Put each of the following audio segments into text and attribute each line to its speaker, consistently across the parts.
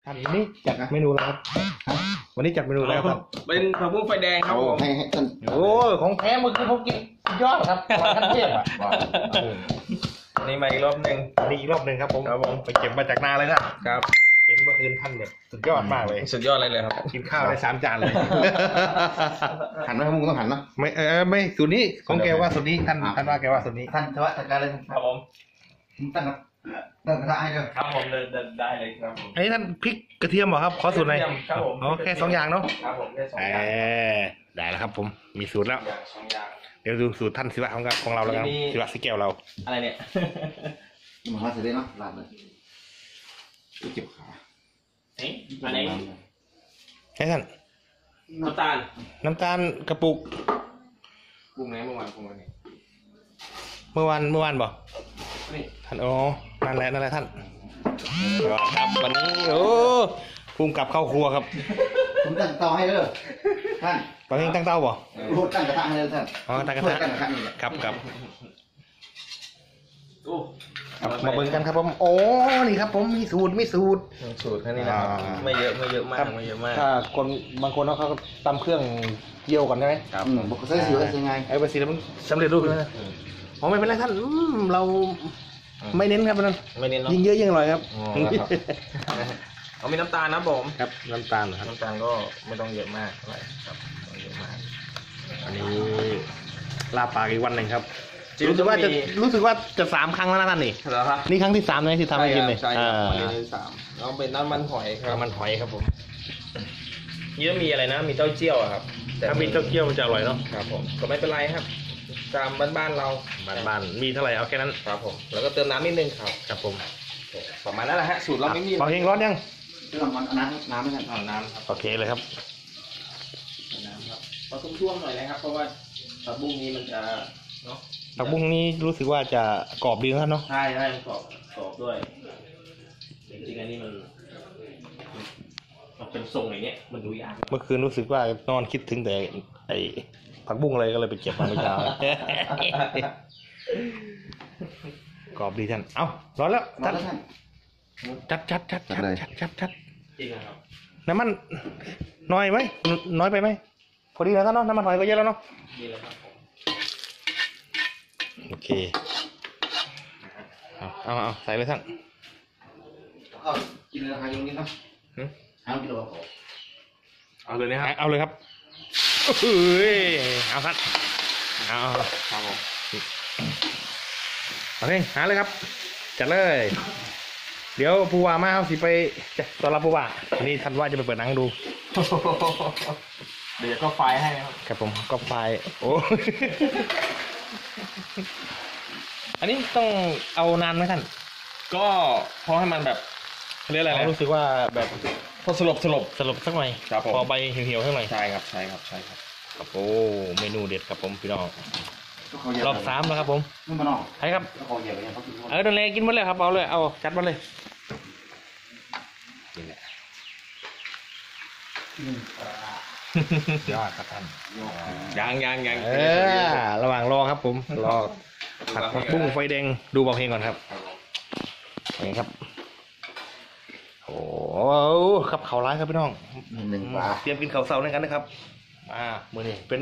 Speaker 1: ท่านวันนี้จัดเมนูแล้วครับวันนี้จัดเมนูแล้วครับ
Speaker 2: เป็นผักบุ้งไฟแดงครับผม
Speaker 3: ให้ท่าน
Speaker 1: โอ้ของแท้เมื่อกี้ผมกินยอดครับขั้นเทพอ่ะ
Speaker 2: นี่มาอีกรอบหนึ่ง
Speaker 1: นี่อีกรอบหนึ่งครับผมไปเก็บมาจากนาเลยนะครับเห็นเมื่อคืนท่านแบบสุดยอดมากเลย
Speaker 2: สุดยอดเลยครับ
Speaker 1: กินข้าวได้3 จานเลย
Speaker 3: หันไหมมึงต้องหันนะ
Speaker 1: ไม่สูตรนี้ของแกว่าสูตรนี้ท่านว่าแกว่าสูตรนี้
Speaker 3: ท่านจะว่าจัดการเลย
Speaker 2: ครับผม
Speaker 3: ตั้งกระทะให้เลย
Speaker 2: ครับผมได้เลยครับผม
Speaker 1: อันนี้ท่านพริกกระเทียมเหรอครับขอสูตรหน่อย
Speaker 2: ครับผม
Speaker 1: แค่2 อย่างเนาะ
Speaker 2: ครับผมแค่2 อย่าง
Speaker 1: ได้แล้วครับผมมีสูตรแล้ว
Speaker 2: 2 อย่าง
Speaker 1: เดี๋ยวดูสูตรท่านศิวะของเราแล้วกันศิวะสิแก้วเรา
Speaker 2: อะไรเนี่ย
Speaker 3: มาหาเสร็จเลยเนาะลาดเลยเก็บขา
Speaker 2: อันนี้
Speaker 1: ให้ท่าน
Speaker 2: น้ำตาล
Speaker 1: กระปุก
Speaker 2: ปรุงไหนเมื่อวานนี่
Speaker 1: เมื่อวานบ่
Speaker 2: นี่
Speaker 1: ท่านนั่นแหละท่านครับวันนี้ภูมิกับเข้าครัวครับ
Speaker 3: ผมตั้งเตาให้เลยท่าน
Speaker 1: ตอนนี้ตั้งเตาบ่
Speaker 3: รูดตั้งกระทะให้เลยท่าน
Speaker 1: ตั้งกระทะครับมาเบิ่งกันครับผมนี่ครับผมมีสูตร
Speaker 2: แค่นี้นะครับไม่เยอะมาก
Speaker 1: ถ้าคนบางคนเขาตำเครื่องเกี่ยวก่อนใช่ไหม
Speaker 3: ครับบอกใส่สียังไง
Speaker 1: ไอ้ภาษีมันสำเร็จรูปนะไม่เป็นไรท่านเราไม่เน้นครับนั่น
Speaker 2: ไม่เน้น
Speaker 1: ยิ่งเยอะยิ่งอร่อยครับ
Speaker 2: มีน้ำตาลนะผม
Speaker 1: ครับน้ำตาลครับ
Speaker 2: น้ำตาลก็ไม่ต้องเยอะมากอะไรครับไม่เยอะมาก
Speaker 1: อันนี้ลาปากอีกวันหนึ่งครับรู้สึกว่าจะ3 ครั้งแล้วนะท่านนี่นี่ครั้งที่3เลยที่ทำให้กินเลย
Speaker 2: ใช่ครับวันนี้3เราเป็นน้ำมันหอยครับ
Speaker 1: มันหอยครับผม
Speaker 2: เยอะมีอะไรนะมีเต้าเจี้ยวครับ
Speaker 1: ถ้ามีเต้าเจี้ยวจะอร่อยเนาะ
Speaker 2: ครับผมก็ไม่เป็นไรครับตามบ้านเรา
Speaker 1: บ้านมีเท่าไหร่เอาแค่นั้น
Speaker 2: ครับผมแล้วก็เติมน้ำนิดนึงครับผมประมาณนั้นแหละฮะสูตรเราไม่มี
Speaker 1: พอเฮงร้อนยัง
Speaker 3: เติมน้ำไม่ใช่
Speaker 2: น้ำครับ
Speaker 1: โอเคเลยครับ
Speaker 2: น้ำครับผสมช่วงหน่อยนะครับเพราะว่าผักบุ้งนี้มันจะเนาะ
Speaker 1: ผักบุ้งนี้รู้สึกว่าจะกรอบดีนะเนาะ
Speaker 2: ใช่กรอบด้วยจริงๆอันนี้มันเป็นทรงอย่างเงี้ยมันดูยาก
Speaker 1: เมื่อคืนรู้สึกว่านอนคิดถึงแต่ไอ้ผักบุ้งอะไรก็เลยไปเก็บมาเมื่อเช้ากรอบดีท่านเอ้าร้อนแล้วท่านจัด
Speaker 2: จริงครับ
Speaker 1: น้ำมันน้อยไหมน้อยไปไหมพอดีแล้วท่านเนาะน้ำมันหอยก็เยอะแล้วเนาะ
Speaker 2: ดีแล้วครับ
Speaker 1: โอเคเอาใส่เลยท่าน
Speaker 3: กินเลยหายนิดนะกินเลย
Speaker 2: เอาเลยนะครับ
Speaker 1: เอาเลยครับเอาท่านเอา
Speaker 2: ครับผม
Speaker 1: โอเคหาเลยครับจัดเลยเดี๋ยวผู้ว่ามาเอาสิไปต้อนรับผู้ว่าวันนี้ท่านว่าจะไปเปิดหนังดู
Speaker 2: เดี๋ยวก็ไฟให้
Speaker 1: ครับผมก็ไฟโอ้อันนี้ต้องเอานานไหมท่าน
Speaker 2: ก็พอให้มันแบบเรียกอะไร
Speaker 1: รู้สึกว่าแบบ
Speaker 2: พอสลบ
Speaker 1: สักหน่อยพอใบเหี่ยวๆสักหน่อย
Speaker 2: ใช่ครับ
Speaker 1: โอ้เมนูเด็ดครับผมพี่น้องรอบ3แล้วครับผมใช่ครับโดนเลยกินหมดเลยครับเอาเลยเอาจัดมาเลยนี่แหละยอดครับท่าน
Speaker 2: ยัง
Speaker 1: ระหว่างรอครับผมรอผัดผักบุ้งไฟแดงดูเบาเพลงก่อนครับนี่ครับโอ้ครับเขาร้ายครับพี่น้องเตรียมกินข้าวเสาร์ด้วยกันนะครับมื้อนี้เป็น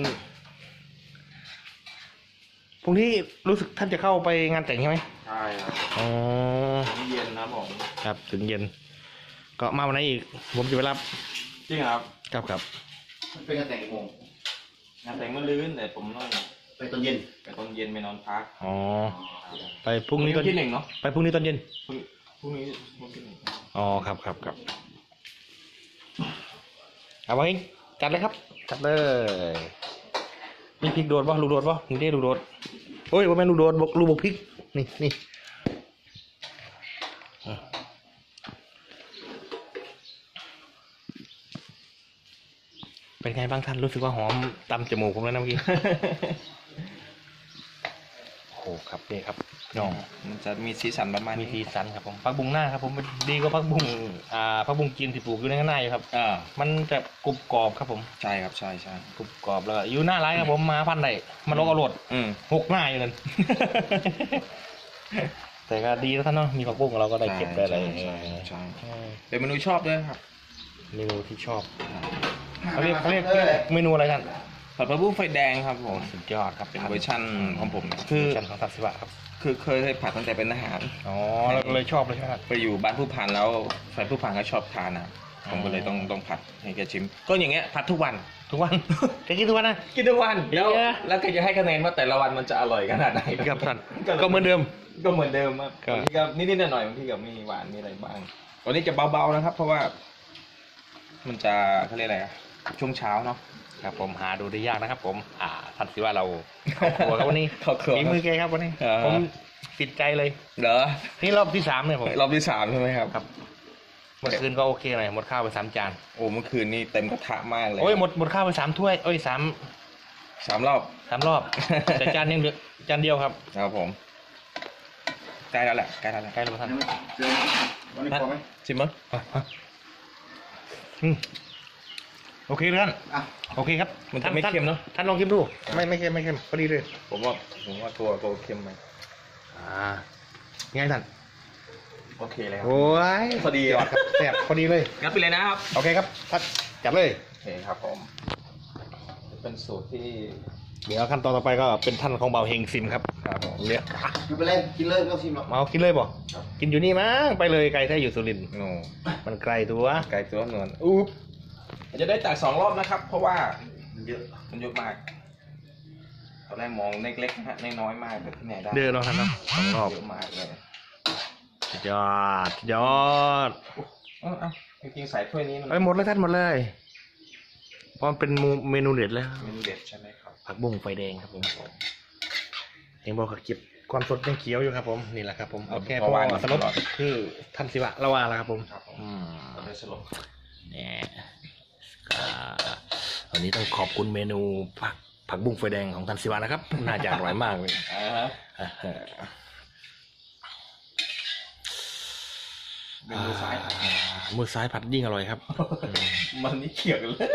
Speaker 1: พรุ่งนี้รู้สึกท่านจะเข้าไปงานแต่งใช่ไหม
Speaker 2: ใช่ครับถึงเย็นนะผม
Speaker 1: ครับถึงเย็นก็มาวันไหนอีกผมจะไปรับ
Speaker 2: จริงครับ
Speaker 3: เป็นงานแต่งกี่โมง
Speaker 2: งานแต่งเมื่อลื้นแต่ผมต้อง
Speaker 3: ไปตอนเย็น
Speaker 2: ไปนอนพัก
Speaker 1: ไปพรุ่งนี้
Speaker 2: ตอนที่1เนาะ
Speaker 1: ไปพรุ่งนี้ตอนเย็น
Speaker 2: พรุ่งนี้
Speaker 1: ครับเอาไว้จัดเลยครับจัดเลยมีพริกโดดป่ะลูกโดดป่ะนี่ได้ลูกโดดโอ้ยว่าแม่ลูกโดดลูกบกพริกนี่เป็นไงบ้างท่านรู้สึกว่าหอมตำจมูกผมแล้วนะเมื่อกี้โอ้ครับนี่ครับน้อง
Speaker 2: มันจะมีสีสันประมาณ
Speaker 1: มีสีสันครับผมผักบุ้งหน้าครับผมดีกว่าผักบุ้งจีนที่ปลูกอยู่ในข้างหน้าอยู่ครับมันจะกรุบกรอบครับผม
Speaker 2: ใช่ครับใช่
Speaker 1: กรุบกรอบแล้วอยู่หน้าร้านครับผมมาพันได้มันลงเอารถ6 หน้าอยู่นั่นแต่ก็ดีแล้วท่านเนาะมีผักบุ้งเราก็ได้เก็บได้อะไร
Speaker 2: ใช่เป็นเมนูชอบด้วยครับ
Speaker 1: เมนูที่ชอบเขาเรียกเมนูอะไรท่าน
Speaker 2: ผัดผักบุ้งไฟแดงครับผม
Speaker 1: สุดยอดครับ
Speaker 2: เป็นเวอร์ชันของผม
Speaker 1: คื
Speaker 2: คือ อ
Speaker 1: ชันของทัศวะครับ
Speaker 2: คือเคยผัดตั้งแต่เป็นทหาร
Speaker 1: อ๋อเราก็เลยชอบเลยใช่ไหมครับ
Speaker 2: ไปอยู่บ้านผู้พันแล้วแฟนผู้พันก็ชอบทานนะผมก็เลยต้องผัดให้แกชิม ก็อย่างเงี้ยผัดทุกวัน
Speaker 1: ทุกวัน จะกินทุกวันนะ
Speaker 2: กินทุกวันแล้ว
Speaker 1: เยอะ
Speaker 2: แล้วก็จะให้คะแนนว่าแต่ละวันมันจะอร่อยขนาดไหน
Speaker 1: ครับท่านก็เหมือนเดิม
Speaker 2: ก็เหมือนเดิมครับ
Speaker 1: ครับ
Speaker 2: บางทีก็นิดๆหน่อยๆบางทีก็มีหวานมีอะไรบ้างวันนี้จะเบาๆนะครับ เพราะว่า มันจะเขาเรียกอะไรอะช่วงเช้าเนาะ
Speaker 1: ครับผมหาดูได้ยากนะครับ ผมทัศวะเราครัวครับวันนี้
Speaker 2: เข้าครัว
Speaker 1: ฝีมือแกครับวันนี้
Speaker 2: เออ
Speaker 1: ผมติดใจเลย
Speaker 2: เหรอ
Speaker 1: นี่รอบที่ 3เนี่ยผม
Speaker 2: รอบที่ 3ใช่ไหมครับ
Speaker 1: ครับ เมื่อคืนก็โอเคหน่อยหมดข้าวไป3 จาน
Speaker 2: โอ้เมื่อคืนนี้เต็มกระทะมากเลย
Speaker 1: โอ้ยหมดข้าวไป3 ถ้วยโอ้ย3
Speaker 2: 3 รอบ
Speaker 1: 3 รอบ แต่จานยังเหลือจานเดียวครับ
Speaker 2: ครับผมใกล้แล้วแหละใกล้แล้วแหละ
Speaker 1: ใกล้แล้วท่าน
Speaker 3: เจอวันนี้พอไหม
Speaker 2: ชิมมั้ย
Speaker 1: อืมโอเคท่าน
Speaker 3: อ่ะ
Speaker 1: โอเคครับ
Speaker 2: มันจะไม่เค็มเนาะ
Speaker 1: ท่านลองชิมดูไม่เค็มพอดีเลย
Speaker 2: ผมว่าตัวเค็มไหม
Speaker 1: ไงท่าน
Speaker 2: โอเคเลยครับ
Speaker 1: โอ้ย
Speaker 2: พอดี
Speaker 1: ยอดครับแซ่บพอดีเลย
Speaker 2: งัดไปเลยนะครับ
Speaker 1: โอเคครับท่านจัดเลย
Speaker 2: โอเคครับผมเป็นสูตรที่
Speaker 1: เดี๋ยวขั้นตอนต่อไปก็เป็นท่านของเบาเฮงซิมครับ
Speaker 2: ครับผม
Speaker 1: เรียก
Speaker 3: ไม่เป็นไรกินเลยไม่ต้องชิมหรอก
Speaker 1: เมากินเลยบ่
Speaker 3: ครับ
Speaker 1: กินอยู่นี่มั้งไปเลยไกลแท้อยู่สุรินทร์
Speaker 2: โน่
Speaker 1: มันไกลตัว
Speaker 2: ไก่ตัวนวลอุ๊บจะได้ตัก2 รอบนะครับ เพราะว่า
Speaker 3: เยอะ
Speaker 2: มันเยอะมากตอนแรกมองเล็กๆนะฮะน้อยๆมากแต่ที่ไหนได้
Speaker 1: เดินเนาะท่านเนาะ2 รอบ
Speaker 2: เยอะมากเลย
Speaker 1: สุดยอดสุดยอด
Speaker 2: เอาจริงๆใส่ถ้วยนี้มัน
Speaker 1: ไปหมดเลยท่านหมดเลยเพราะมันเป็นเมนูเด็ดแล้ว
Speaker 2: เมนูเด็ดใช่ไหมครับ
Speaker 1: ผักบุ้งไฟแดงครับผมเองบอกเขาเก็บความสดยังเขียวอยู่ครับผมนี่แหละครับผมเอาแค่พอสลบคือท่านศิวะละวาแล้วครับผม
Speaker 2: ครับผม
Speaker 1: อืม
Speaker 2: เราได้สลบ
Speaker 1: เนี่ยวันนี้ต้องขอบคุณเมนูผักบุ้งไฟแดงของท่านศิวะนะครับ น่าจะอร่อยมากเลย
Speaker 2: เมนูซ้าย
Speaker 1: มือซ้ายผัดยิ่งอร่อยครับ
Speaker 2: มันนี่เขียวกันเลย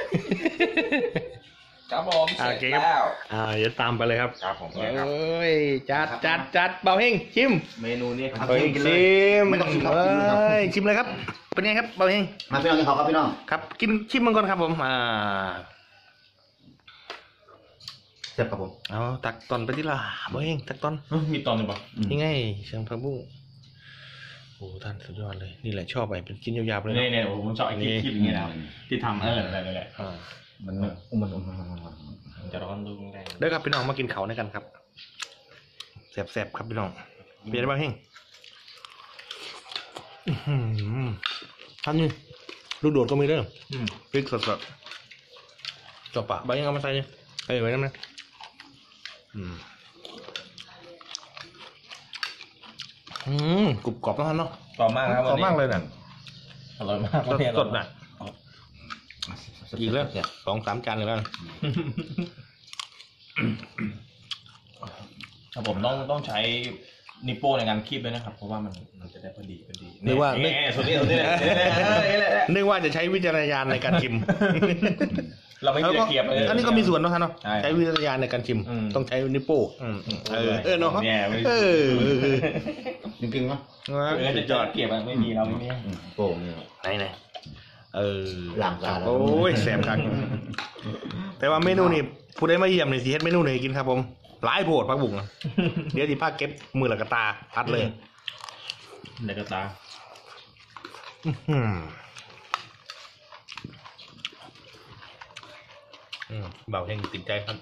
Speaker 2: ครับผมเสร็จ
Speaker 1: โอเคครับ
Speaker 2: แล้ว
Speaker 1: เดี๋ยวตามไปเลยครับ
Speaker 2: ครับผม
Speaker 1: เอ
Speaker 2: เนี่ยครับ
Speaker 1: ้ยจัดเบาเฮงชิม
Speaker 2: เมนูนี้ครับ
Speaker 1: เฮ้ย
Speaker 3: กินเลย
Speaker 1: ชิม
Speaker 3: ไม่ต้องชิมครับ
Speaker 1: เอ้
Speaker 3: กินเลยครับ
Speaker 1: ยชิมเลยครับเป็นไงครับเบาเฮง
Speaker 3: มาพี่น้องกินข้าวครับพี่น้อง
Speaker 1: ครับกินชิมมันก่อนครับผม
Speaker 3: เสร็จครับผม
Speaker 1: เอาตักตอนไปที่ละเบาเฮงตักตอน
Speaker 2: มีตอนหนึ่งป่ะ
Speaker 1: นี่ไงเชียงผักบุ้งโอ้ท่านสุดยอดเลยนี่แหละชอบไปเป็นชิ้นยาวๆเลย
Speaker 2: เนี่ยโอ้ผมชอบไอ้คลิปอย่างเงี้ยนะที่ทำอะไร
Speaker 1: อ่า
Speaker 3: มัน
Speaker 2: มันจะร้อนดูแรง
Speaker 1: เด้อครับพี่น้องมากินเขาด้วยกันครับแซ่บๆครับพี่น้องเป็นยังไงบ้างเฮงอื้อหือท่านนี่ลูกโดดก็มีเด้อพริกสดๆจบปะใบยังเอามาใส่เนี่ยใส่ไว้นั่นนะกรุบกรอบนะท่านเนาะ
Speaker 2: ต่อมากครับ
Speaker 1: กรอบมากเลยน่ะ
Speaker 2: อร่อยมาก
Speaker 1: สดๆน่ะอีกแล้ว2-3 จานเลยแล้ว
Speaker 2: ครับผมต้องใช้นิโป้ในการคีบด้วยนะครับ เพราะว่ามันจะได้พอดี
Speaker 1: นึกว่า
Speaker 2: ส่วนนี้เลย
Speaker 1: นึกว่าจะใช้วิจารณญาณในการชิม
Speaker 2: เราไม่มีตะเกียบเลย
Speaker 1: อันนี้ก็มีส่วนเนาะท่านเนาะ
Speaker 2: ใช่
Speaker 1: ใช้วิจารณญาณในการชิม
Speaker 2: อืม
Speaker 1: ต้องใช้นิ้วโป้งเนาะ
Speaker 2: เนี่ยไม่
Speaker 3: จริงๆเนาะ
Speaker 2: จะจอดเกียบไม่มีเราไม่มี
Speaker 3: โป่งเนี่ย
Speaker 1: ไหน
Speaker 3: หลังการ
Speaker 1: โอ้ยแสบคักแต่ว่าเมนูนี่ผู้ใดมาเยี่ยมนี่สิเฮ็ดเมนูไหนกินครับผมหลายโพดผักบุ้งเดี๋ยวสิพาเก็บมือละกะตาพัดเลย
Speaker 2: เด็กตา
Speaker 1: เบาแห้งติดใจครับ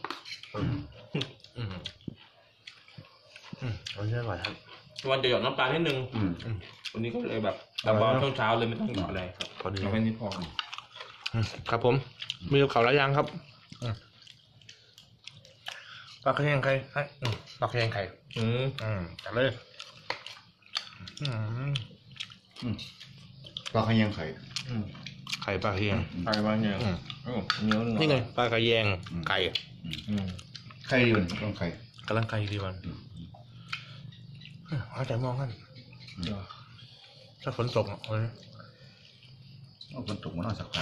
Speaker 1: อันนี้อร่อยครับ
Speaker 2: วันจะหยอดน้ำปลานิดนึงวันนี้ก็เลยแบบแต่ว่าช่วงเช้าเลยไม่ต้องหยอดอะไรครับ
Speaker 1: พอดี
Speaker 2: เอาแค่นี้พอ
Speaker 1: ครับผมมีกับเขาวหลายอย่างครับปลาแห้งไข่ปลาแห้งไข่จัดเลย
Speaker 3: ปลาขยังไข่
Speaker 1: ไข่ปลาแห้ง
Speaker 2: ใครบ้างเนี่ยเนื้อ
Speaker 1: นี่ไงปลากระแยงไก่
Speaker 3: ไข่ดีมันต้องไข่
Speaker 1: กำลังไก่ดีวันเอาใจมองกันถ้าฝนตกเลย
Speaker 3: เอาคนตกมาหน่อยสักพัก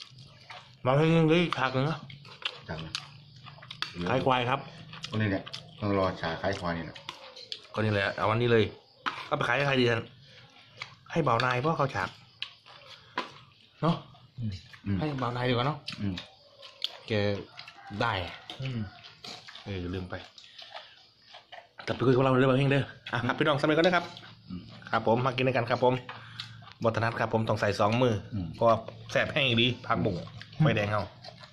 Speaker 1: มาให้ยังได้ผักหนึ่งนะ
Speaker 3: จัง
Speaker 1: ไข่ควายครับ
Speaker 3: คนนี้เนี่ยต้องรอชาคล้ายคอนี่นะ
Speaker 1: ก็นี่แหละเอาวันนี้เลยเอาไปขายให้ใครดีท่านให้เบานายเพราะเขาฉากเนาะ
Speaker 3: อืม
Speaker 1: ให้เบานายดีกว่าเนาะ
Speaker 3: อืม
Speaker 1: แกได้ลืมไปกลับไปคุยกับเราเรื่องบางเพลงเด้ออ่ะครับพี่น้องสำเร็จก็ได้ครับ
Speaker 3: อืม
Speaker 1: ครับผมมากินด้วยกันครับผมบทนัดครับผมต้องใส่2 มือเพราะว่าแสบแห้งดีผักบุ้งไฟแดงเอา